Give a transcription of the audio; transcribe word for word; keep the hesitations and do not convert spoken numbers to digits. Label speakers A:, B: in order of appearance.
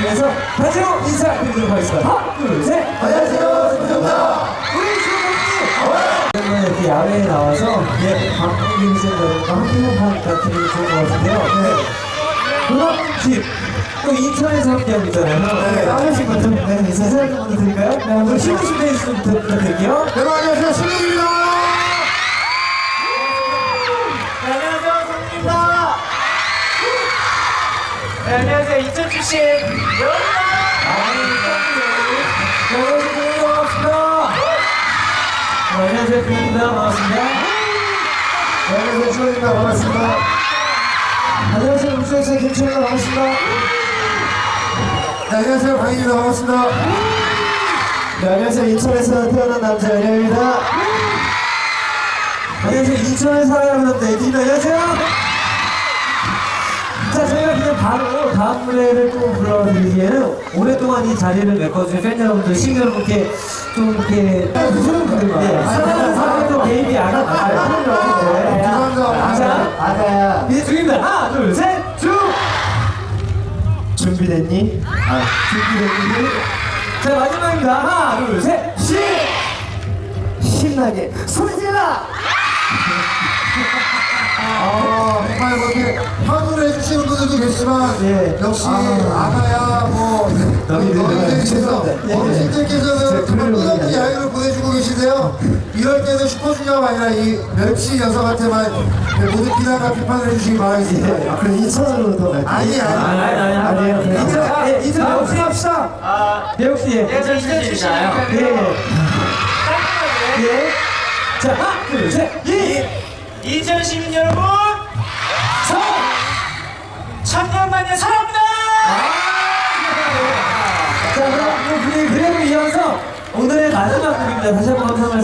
A: 위해서 단체로 인사드리도록 하겠습니다. 하나, 둘, 셋.
B: 안녕하세요, 김정입니다.
A: 우리 주호님! 오랜만에 이렇게 야외에 나와서 예, 방송김 여러분과 함께 하니까 기분이 좋은 것 같은데요. 네. 그런 또 인천에서 함께하고 있잖아요. 네. 한 번씩 먼저 네, 인사 좀 먼저 드릴까요? 네, 한번 신우신 베이스부터 부탁드릴게요.
B: 여러분 안녕하세요, 신우입니다.
C: 네, 안녕하세요, 성민입니다. 네, 안녕하세요, 이천 출신 여입니다.
A: 네, 안녕하세요, 반갑습니다. 네, 안녕하세요, 김입니다. 반갑습니다.
B: 네, 안녕하세요, 신우입니다. 반갑습니다.
A: 안녕하세요, 울주에서 김철입니다. 반갑습니다.
B: 네, 안녕하세요, 강희입니다. 반갑습니다.
A: 네, 안녕하세요, 인천에서 태어난 남자 연예입니다. 안녕하세요, 인천에 살아가는 네이티입니다. 안녕하세요. 자, 저희가 그냥 바로 다음 무대를 또 불러드리기에는 오랫동안 이 자리를 메꿔주신 팬 여러분들, 시민 여러분께 좀 이렇게 무슨 분들과 사랑하는 사람이 또 베이비 아가 나가요.
B: 죄송합니다.
A: 자,
B: 아가야.
A: 이제 중입니다. 하나, 둘, 셋, 중! 준비됐니? 아, 준비됐니? 자, 마지막입니다. 하나, 둘, 셋, 시! 신나게 소리 질러!
B: 어, 정말 그렇게 환호를 해주시는 분들도 계시지만
A: 예.
B: 역시
A: 아.
B: 아가야 뭐 어머니들께서
A: 죄송합니다. 예, 예.
B: 어머니들께서는
A: 제가
B: 정말
A: 그러려고
B: 끝없는
A: 그러는
B: 야유를 보내주고 계신데요. 이럴 때는 슈퍼주니어가 아니라 이 멸치 녀석한테만 모두 비난과 비판을 해주시기 바라겠습니다.
A: 아, 그럼 인천으로 더 갈게요.
B: 아니, 아니.
A: 아니, 아니, 아니. 아니에요. 인천, 예, 인천 배우 씨 합시다.
C: 아,
A: 배우 씨, 예.
C: 이천 출신이잖아요.
A: 예, 예.
C: 깔끔하게.
A: 예. 자, 하나, 둘, 셋, 이!
C: 이천 시민 여러분,
A: 서!
C: 천년만년 사랑합니다.
A: 자, 그럼 그 분위기 그대로 이어서 오늘의 마지막 곡입니다. 다시 한번 감사합니다.